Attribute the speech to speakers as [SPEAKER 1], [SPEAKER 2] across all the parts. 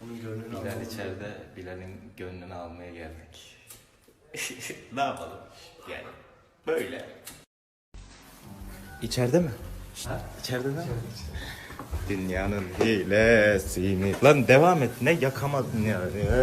[SPEAKER 1] Bilal içeride, Bilal'in gönlünü almaya geldik. Ne yapalım? Yani böyle. İçeride mi? Ha? İçeride mi? Dünyanın hilesini. Lan devam et. Ne yakamadın ya?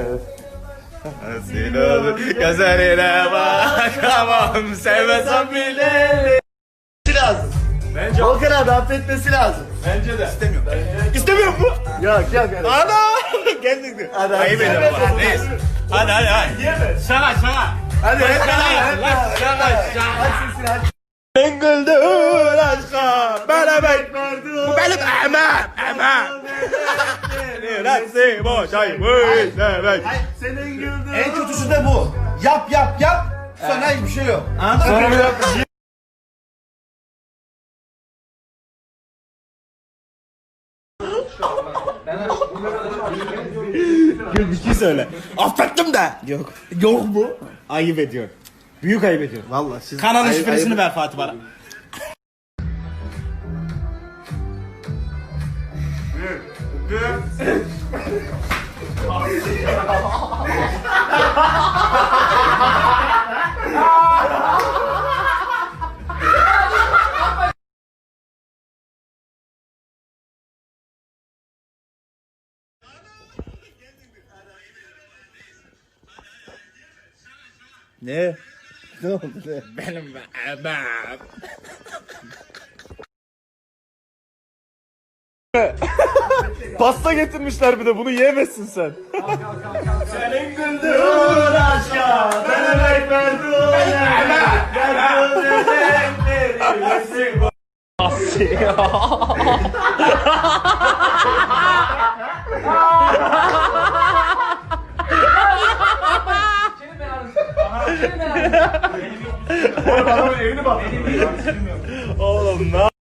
[SPEAKER 1] Nasıl olur? Gözlerine bakamam. Sevmesem bile.
[SPEAKER 2] Lazım.
[SPEAKER 3] Bence
[SPEAKER 2] Volkan abi affetmesi lazım.
[SPEAKER 3] bence de.
[SPEAKER 2] İstemiyorum.
[SPEAKER 1] İstemiyor mu?
[SPEAKER 2] Yok yok.
[SPEAKER 1] Ana! Geldik.
[SPEAKER 2] Hadi,
[SPEAKER 1] Ayıp
[SPEAKER 2] hadi.
[SPEAKER 1] ediyorum.
[SPEAKER 2] Hadi.
[SPEAKER 1] Neyse. Hadi.
[SPEAKER 3] Yeme. Şaka şaka.
[SPEAKER 2] Hadi hep beraber.
[SPEAKER 3] Şaka.
[SPEAKER 2] Aç sesini aç.
[SPEAKER 1] Ben güldür aşka. Beraber. Bu benim emem. Neresi boşaymış. Evet.
[SPEAKER 2] Senin güldüğün. En kötüsü de bu. Yap. Sonra hiçbir şey yok.
[SPEAKER 1] Sonra bir dakika. Bir şey söyle. Affettim de.
[SPEAKER 2] Yok.
[SPEAKER 1] Yok mu? Ayıp ediyor. Büyük ayıp ediyor.
[SPEAKER 2] Vallahi siz.
[SPEAKER 1] Kanalın şifresini ver Fatih bana.
[SPEAKER 2] Ne? Ne oldu ne?
[SPEAKER 1] Benim emem. Pasta getirmişler bir de bunu yiyemezsin sen.
[SPEAKER 2] Senin güldüğün aşka. Ben emek verdim.
[SPEAKER 3] Adamın evini bak.
[SPEAKER 1] Oğlum ne